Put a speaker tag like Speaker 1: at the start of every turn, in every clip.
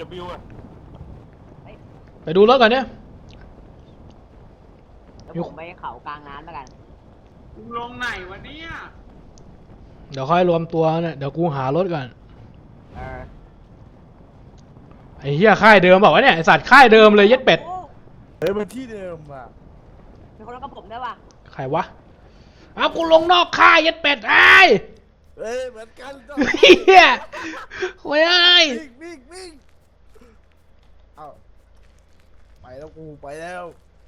Speaker 1: AW อ่ะ
Speaker 2: ไปดูรถก่อนเนี่ย
Speaker 3: แล้วผมไปเขากลางน้ำแล้วกัน
Speaker 4: ลงไหนวะเนี่ย
Speaker 2: เดี๋ยวค่อยรวมตัวเนี่ยเดี๋ยวกูหารถก่อนไอ้เหี้ยค่ายเดิมบอกว่าเนี่ยไอ้สัตว์ค่ายเดิมเลยยัดเป็ด
Speaker 5: เฮ้ยมันที่เดิมอ่ะ
Speaker 3: มีคนรักกับผมได้ป่ะ
Speaker 2: ใครวะเอากูลงนอกค่ายยัดเป็ดไอ้
Speaker 5: เฮ้ยเหมือนกัน
Speaker 2: เหี้ยโว้ยไอ้
Speaker 5: วิ่งเอาไปแล้วกูไปแล้ว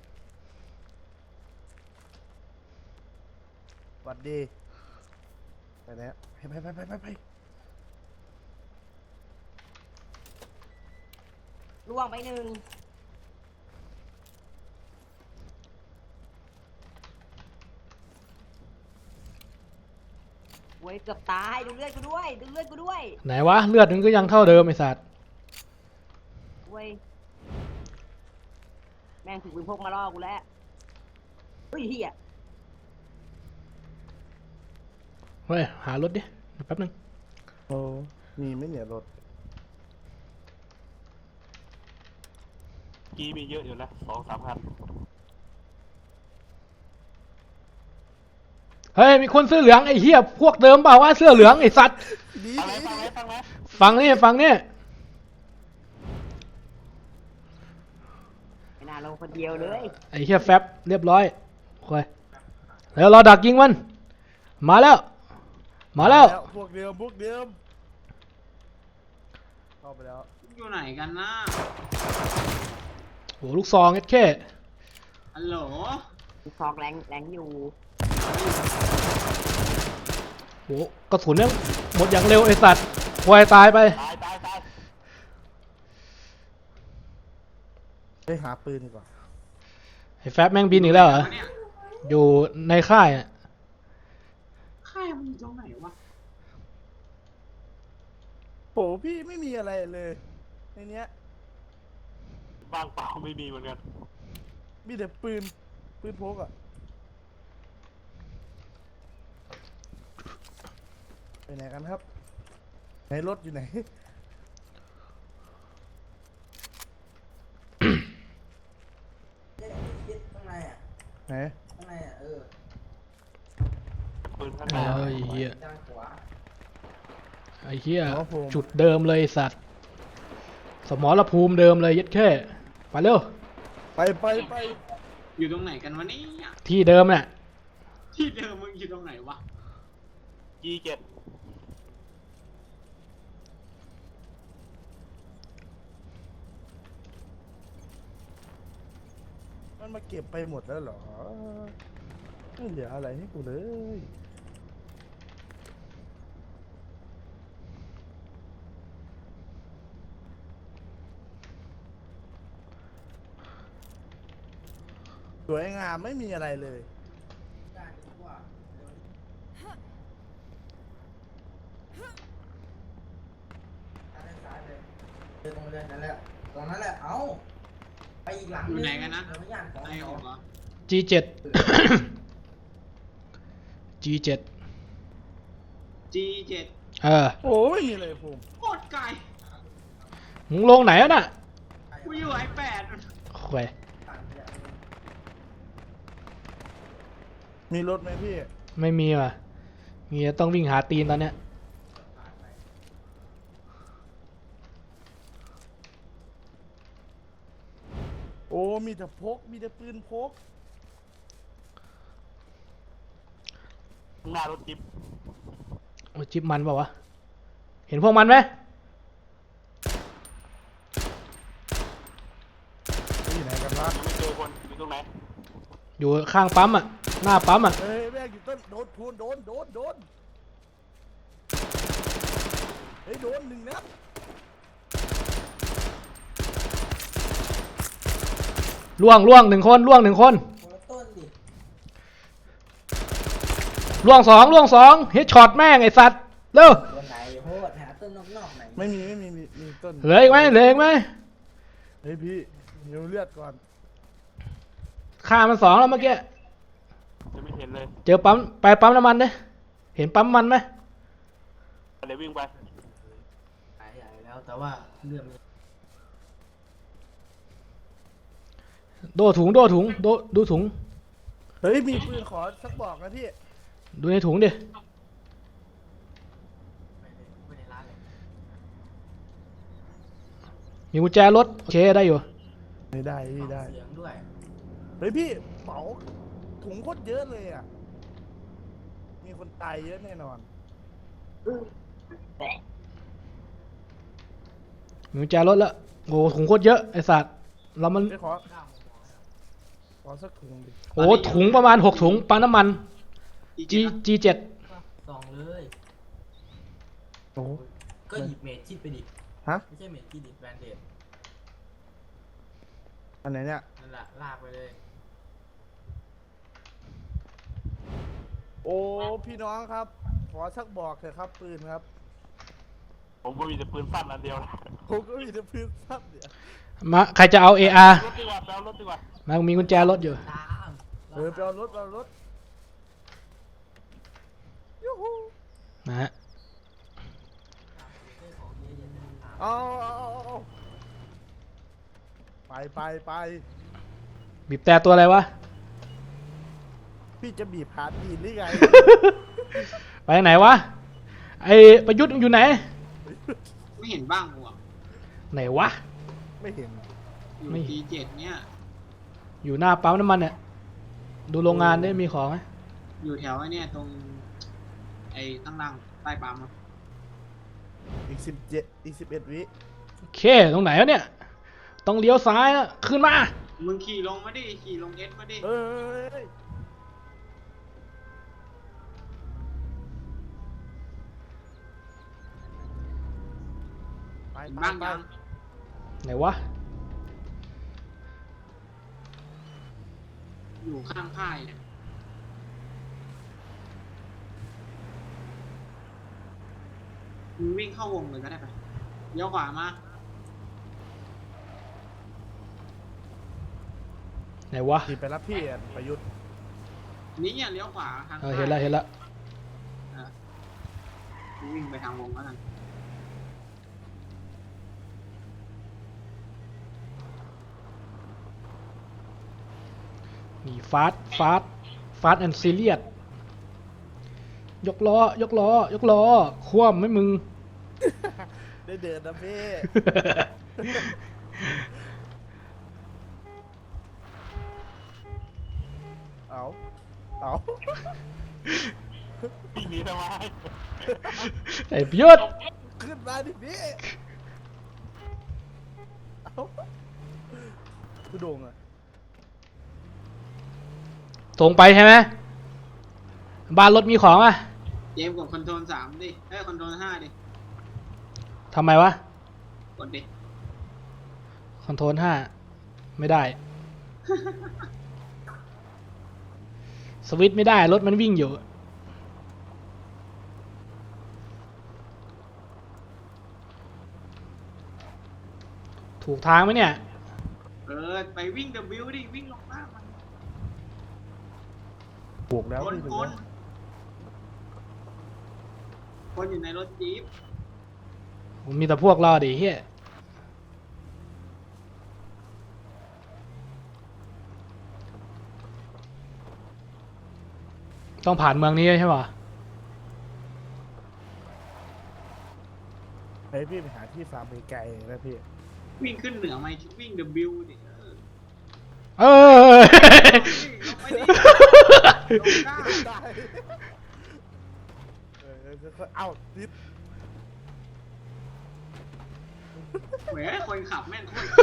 Speaker 5: สวัสดีไปแล้วไป
Speaker 3: ล่วงไปหนึ่งเว้ยเกือบตายดูเลือดกูด้วยดูเลือดกูด้วย
Speaker 2: ไหนวะเลือดมึงก็ยังเท่าเดิมไอ้สัตว์
Speaker 3: เว้ยแม่งถือปืนพกมาล่อกูแล้วเฮ้ยเฮีย
Speaker 2: เฮ้ยหารถดิแป๊บนึง
Speaker 5: โอ้มีไหมเนี่ยรถ
Speaker 1: กีมีเยอะอยู่นะ2-3 คัน
Speaker 2: เฮ้ยมีคนเสื้อเหลืองไอ้เหี้ยพวกเดิมเปล่าวะเสื้อเหลืองไอ้สัตว์
Speaker 5: ดี
Speaker 1: ฟังไหม
Speaker 2: ฟังนี่
Speaker 3: ไม่น่าลงคนเดียวเลย
Speaker 2: ไอ้เหี้ยแฟบเรียบร้อยโอ้ยแล้วเราดักยิงมันมาแล้ว
Speaker 5: พวกเดิมเข้าไปแล้ว
Speaker 4: อยู่ไหนกันนะ
Speaker 2: โหลูกซองเอสเค
Speaker 4: ฮัลโหล
Speaker 3: ซอกแรงอยู่
Speaker 2: โหกระสุนเนี่ยหมดอย่างเร็วไอ้สัตว์ควายตายไป
Speaker 1: ตาย
Speaker 5: เฮ้ยหาปืนดีกว่า
Speaker 2: ไอ้แฟบแม่งบินอีกแล้วเหรอ
Speaker 4: เนี่ย
Speaker 2: อยู่ในค่ายอะ
Speaker 4: ค่ายมันอยู่ตรงไหนวะ
Speaker 5: โหพี่ไม่มีอะไรเลยในเนี้ย
Speaker 1: บ้างเปล่าไม่มีเหมือนกัน
Speaker 5: มีแต่ปืนพกอ่ะไปไหนกันครับไหนรถอยู่ไหน
Speaker 6: ข้างในอ่ะ
Speaker 5: ไหน
Speaker 6: ข้างในอ่ะ
Speaker 1: ปืนข้าง
Speaker 2: เอ
Speaker 1: หน้า
Speaker 2: อไอ้เหี้ย
Speaker 6: ด้านขวา
Speaker 2: ไอ้เหี้ย
Speaker 5: อ๋อผม
Speaker 2: จุดเดิมเลยไอ้สัตว์สมรภูมิเดิมเลยยัดแค่ไปเร็ว
Speaker 5: ไป
Speaker 4: อยู่ตรงไหนกันวะเนี่ย
Speaker 2: ที่เดิมน่ะ
Speaker 4: ที่เดิมมึงอยู่ตรงไหนวะ
Speaker 1: G7
Speaker 5: มันมาเก็บไปหมดแล้วเหรอไม่เหลืออะไรให้กูเลยสวยงามไม่มีอะไรเลย
Speaker 6: ด้านขวาด้านซ้ายเลยเดินตรงเลยนั่นแหละตรงนั้นแหละเอ้าไปอีกหลัง
Speaker 4: อยู่ไหนกันนะ
Speaker 6: เดี๋ยวไม่ย่านของ
Speaker 4: ไอ้ออกเหรอ
Speaker 2: G7 G7
Speaker 4: G7
Speaker 2: เออ
Speaker 5: โอ้ไม่มีอะไรภูมิ
Speaker 4: โคตรไกล
Speaker 2: มึงลงไหนอะน่ะ
Speaker 4: กูอยู่I8
Speaker 2: โอ้ย
Speaker 5: มีรถไหมพี่
Speaker 2: ไม่มีว่ะมีแต่ต้องวิ่งหาตีนตอนเนี้ย
Speaker 5: โอ้มีแต่พกมีแต่ปืนพก
Speaker 1: ข้างหน้ารถจิ๊บ
Speaker 2: โอ้ยจิ๊บมันเปล่าวะเห็นพวกมันไหม
Speaker 5: อยู่ไหนกันวะ
Speaker 1: ยังไม่เจอคนอยู่ตรงไหน
Speaker 2: อยู่ข้างปั๊มอ่ะหน้าปั๊มอ่ะ
Speaker 5: เฮ้ยแม่งอยู่ต้นโดนพูนโดนเฮ้ยโดนหนึ่งนัด
Speaker 2: ล่วงหนึ่งคน
Speaker 6: คนละต้นดิ
Speaker 2: ล่วงสองเฮดช็อตแม่งไอ้สัตว์เร็ว
Speaker 6: ตัวไหนโหดหาต้นนอกๆไหน
Speaker 5: ไม่มีต้น
Speaker 2: เหลืออีกไหม
Speaker 5: เฮ้ยพี่เดี๋ยวเลือดก่อน
Speaker 2: ฆ่ามัน2แล้วเมื่อกี้
Speaker 1: จะไม่เห็นเลย
Speaker 2: เจอปั๊มไปปั๊มน้ำมันดิเห็นปั๊มมันไหม
Speaker 1: เดี๋ยววิ่งไป
Speaker 6: หายใหญ่แล้วแต่ว่าเลือดมัน
Speaker 2: โดถุงโดถุงดูถุง
Speaker 5: เฮ้ยมีปืนขอสักบอกนะพี่
Speaker 2: ดูในถุงดิ
Speaker 6: ไม่ได้ร้านเลย
Speaker 2: มีกุญแจรถโอเคได้อยู่
Speaker 5: ไม่ได้พี่ได้
Speaker 6: เสียงด้วย
Speaker 5: เฮ้ยพี่เป๋าถุงโคตรเยอะเลยอ่ะมีคนตายเยอะแน่นอน
Speaker 2: มีกุญแจรถแล้วโอ้ถุงโคตรเยอะไอสัตว์เรามัน
Speaker 5: ไปขอสักถุงดิ
Speaker 2: โอ้ถุงประมาณ6ถุงปั๊มน้ำมัน
Speaker 4: จี
Speaker 2: G7
Speaker 6: ส่องเลย
Speaker 5: โอ้
Speaker 6: ก็หยิบเมดคิดไปดิ
Speaker 5: ฮะ
Speaker 6: ไม่ใช่เมดคิดดิแบรนด์เดด
Speaker 5: อันไหนเนี่ย
Speaker 6: นั่นแหละลากไปเลย
Speaker 5: โอ้พี่น้องครับ ขอสักบอกเถอะครับปืนครับ
Speaker 1: ผมก็มีแต่ปืนสั้นอันเดียวนะ
Speaker 5: ผมก็มีแต่ปืนสั้นเนี่ย
Speaker 2: มาใครจะเอา AR
Speaker 1: รถดีกว่าไปเอารถดีกว่า
Speaker 2: มามีกุญแจรถอยู่
Speaker 6: ตาม
Speaker 5: ไปเอารถยูฮู
Speaker 2: นะฮะ
Speaker 5: เอาไป
Speaker 2: บีบแต่ตัวอะไรวะ
Speaker 5: พี่จะบีบหาดีนหรือไง
Speaker 2: ไปไหนวะไอประยุทธ์อยู่ไหน
Speaker 4: ไม่เห็นบ้างกูอ่ะ
Speaker 2: ไหนวะ
Speaker 5: ไม่เห็น
Speaker 4: อยู่
Speaker 2: ไม่
Speaker 4: G7 เนี่ย
Speaker 2: อยู่หน้าปั๊มน้ำมันเนี่ยดูโรงงานได้มีของไหม
Speaker 4: อยู่แถวไอ้เนี่ยตรงไอ้ข้างล่างใต้ปั๊มอะ
Speaker 5: อีก11 วิ
Speaker 2: โอเคตรงไหนวะเนี่ยต้องเลี้ยวซ้ายนะขึ้นมา
Speaker 4: มึงขี่ลงมาดิขี่ลงเอสมาดิ
Speaker 5: เอ้ยไป
Speaker 4: เห็นบ้างยัง
Speaker 2: ไหนวะ
Speaker 4: อยู่ข้างค่ายเนี่ยมึงวิ่งเข้าวงเลยก็ได้ปะเลี้ยวขวามา
Speaker 2: ไหนวะ
Speaker 5: ขี่ไปรับพี่ประยุทธ์
Speaker 4: นี่เนี่ยเลี้ยวขวาทาง
Speaker 2: เออ
Speaker 4: ค่าย
Speaker 2: เห็นแล้ว
Speaker 4: มึงวิ่งไปทางวงแล้วกัน
Speaker 2: นี่ฟาสแอนด์ซีเรียสยกล้คว่ำไหมมึง
Speaker 5: ได้เดินนะพี่ เอา
Speaker 1: วิ่งหนีทำไม
Speaker 2: ไอ้ประยุทธ์
Speaker 5: ขึ้นมาดิพี่ เอาคือโด่งอะ
Speaker 2: ตรงไปใช่ไหมบ้านรถมีของอ่ะ
Speaker 4: เจมส์กดคอนโทรล3ดิคอนโทรล5ดิ
Speaker 2: ทำไมวะ
Speaker 4: กดดิ
Speaker 2: คอนโทรล5ไม่ได้ สวิตช์ไม่ได้รถมันวิ่งอยู่ ถูกทางไหมเนี่ย
Speaker 4: ไปวิ่ง W ดิวิ่งลงมามัน
Speaker 5: บวกแล้ว
Speaker 4: คน
Speaker 5: พี่
Speaker 4: คนคนอยู่ในรถจี๊ป
Speaker 2: มีแต่พวกเราดิเฮียต้องผ่านเมืองนี้ใช่ป่ะ
Speaker 5: เฮ้ยพี่ไปหาที่ฟาร์มไกลๆนะพี่
Speaker 4: วิ่งขึ้นเหนือไหมวิ่ง W ดิ
Speaker 2: เออ
Speaker 4: ลงไปดิลงได้
Speaker 5: ได้เอานิด
Speaker 4: เหวยคนขับแม่งโคตร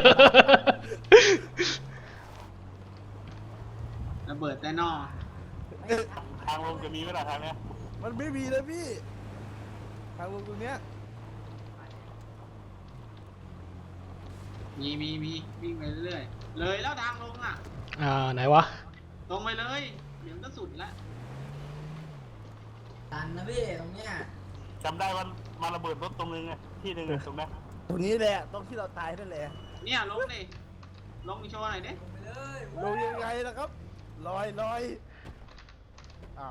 Speaker 4: ระเบิดแต่นอ
Speaker 1: ทางลงจะมีไหมล่ะทางเนี้ย
Speaker 5: มันไม่มีนะพี่ ทางลงตรงเนี้ย
Speaker 4: มีวิ่งไปเรื่อยๆเลยแล้วทางลงอ่ะ
Speaker 2: ไหนวะ
Speaker 4: ตรงไปเลยเดี๋ยวก็สุดแล้ว
Speaker 6: ตันนะพี่ตรงเนี้ย
Speaker 1: จำได้ว่ามาระเบิดรถตรงนึงไงที่หนึ่งอะตรงนั้น
Speaker 5: ตรงนี้แหละ ตรงที่เราตายนั่นแหละ
Speaker 4: เนี่ยลงดิลงโชว์หน่อยดิ
Speaker 6: ลงไปเลย
Speaker 5: ลงยังไงล่ะครับ ลอยอ้าว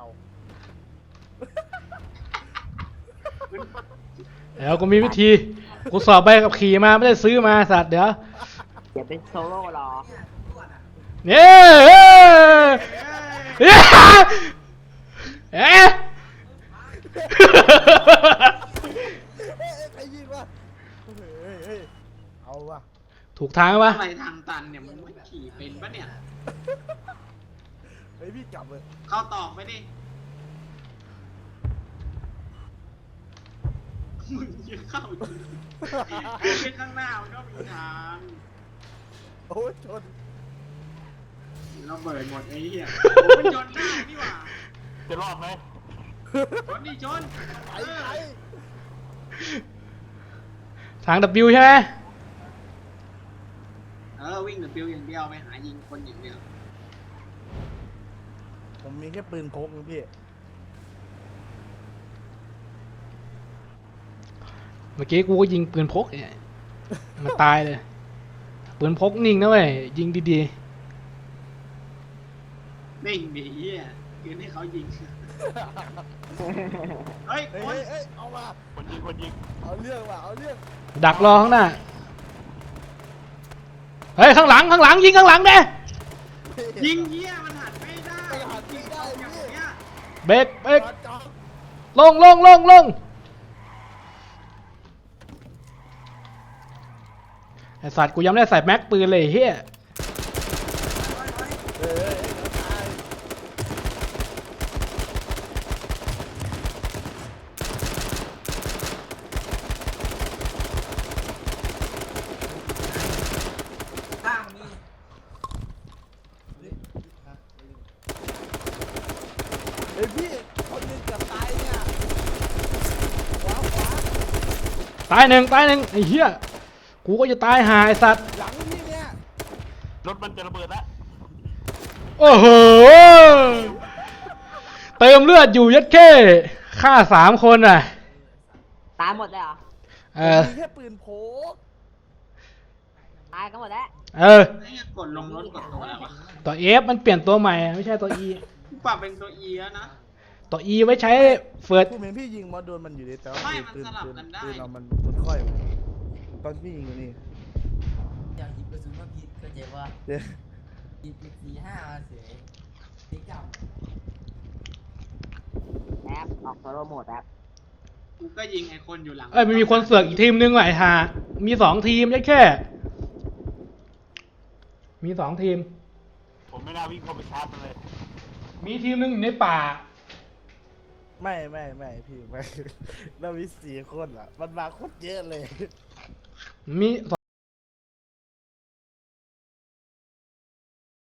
Speaker 2: เดี๋ยวกูมีวิธี กูสอบใบขับขี่มาไม่ได้ซื้อมาสัตว์เดี๋ยว
Speaker 3: อย่าเป็นโซโล่หรอ
Speaker 6: เนี่ยตำรวจอะ
Speaker 2: เนี่ยเอ๊ะเอ๊ะ
Speaker 5: เฮ้ยใครยิงวะเฮ้ยเอาวะ
Speaker 2: ถูกทางปะ
Speaker 4: อะไรทางตันเนี่ยมึงไม่ขี่เป็นปะเนี่ย
Speaker 5: เฮ้ยพี่กลับเลย
Speaker 4: เข้าตอกไปดิมึงจะเข้าอยู่คือข้างหน้ามันก็มีทาง
Speaker 5: โอ้ยชน
Speaker 4: เราเบิดหมดไอ้เหี้ยมันชนได้นี่หว่า
Speaker 1: จะรอดไหม
Speaker 4: ชนดิชน
Speaker 5: ไป
Speaker 4: เออ
Speaker 5: ไป
Speaker 2: ทาง W ใช่ไหม
Speaker 4: วิ่งแต่ปิวอย่างเดียวไปหายิงคนอย่างเดียว
Speaker 5: ผมมีแค่ปืนพกนะพี่
Speaker 2: เมื่อกี้กูก็ยิงปืนพกเนี่ยมันตายเลยปืนพกนิ่งนะเว้ยยิงดี
Speaker 4: นิ่งดิเหี้ยคืนให้เขายิงเฮ้ย
Speaker 5: เฮ้ย
Speaker 4: คน
Speaker 5: เฮ้ยเอามา
Speaker 1: คนยิง
Speaker 5: เอาเรื่องว่ะเอาเรื่อง
Speaker 2: ๆดักรอข้างหน้าเฮ้ยข้างหลังยิงข้างหลังเด้
Speaker 4: ยิงเหี้ยมันหันไม่ได้
Speaker 5: มันหันไม่ได้
Speaker 4: อย่าง
Speaker 5: พี่
Speaker 4: เงี้ย
Speaker 2: เบรก
Speaker 5: จอด
Speaker 2: ลงไอสัตว์กูยังไม่ได้ใส่แม็กปืนเลยเฮีย
Speaker 5: เฮ้ยตาย
Speaker 6: ข้างมี
Speaker 5: เฮ้ยพี่คนหนึงเกือบตายเนี่ยขวา
Speaker 2: ตายหนึ่งไอ้เหี้ยกูก็จะตายหาไอสัตว์
Speaker 5: หลังพี่เนี่ย
Speaker 1: รถมันจะระเบิดแล้ว
Speaker 2: โอ้โหเติมเลือดอยู่ยัดเข้ฆ่า3 คนอ่ะ
Speaker 3: ตายหมดเลยเหรอ
Speaker 5: มีแค่ปืนพก
Speaker 3: ตายกันหมดแล้ว
Speaker 2: เออ
Speaker 4: ไอ้เหี้ยกดลงรถกดตัวอะไรวะ
Speaker 2: ตัว F มันเปลี่ยนตัวใหม่ไม่ใช่ตัว E
Speaker 4: ปรับเป็นตัว E แล้วนะ
Speaker 2: ตัว E ไว้ใช้เฟิร์ส
Speaker 5: ผู้เห็นพี่ยิงมาโดนมันอยู่ดีแต่ว่า
Speaker 4: ไม่
Speaker 5: ปืน
Speaker 4: มันสลับกันได้
Speaker 5: ปืนเรามันค่อยตอนพี่ยิงอยู่นี่
Speaker 6: อยากหยิบกระสุนมาผิดเข้าใจว่า
Speaker 5: เดี๋ยว
Speaker 6: หยิบ4-5มาเสียติ๊กจับ
Speaker 3: แอปออกโซโล่โหมดแอป
Speaker 4: กูก็ยิงไอ้คนอยู่หลัง
Speaker 2: เอ้ยมันมีคนเสือกอีกทีมนึงว่ะไอ้ห่ามี2 ทีมยัดแค่มี2 ทีม
Speaker 1: ผมไม่น่าวิ่งเข้าไปชาร์จมันเลย
Speaker 2: มีทีมนึงอยู่ในป่า
Speaker 5: ไม่พี่ไม่ เรามี4 คนอ่ะมันมาโคตรเยอะเลย
Speaker 2: มี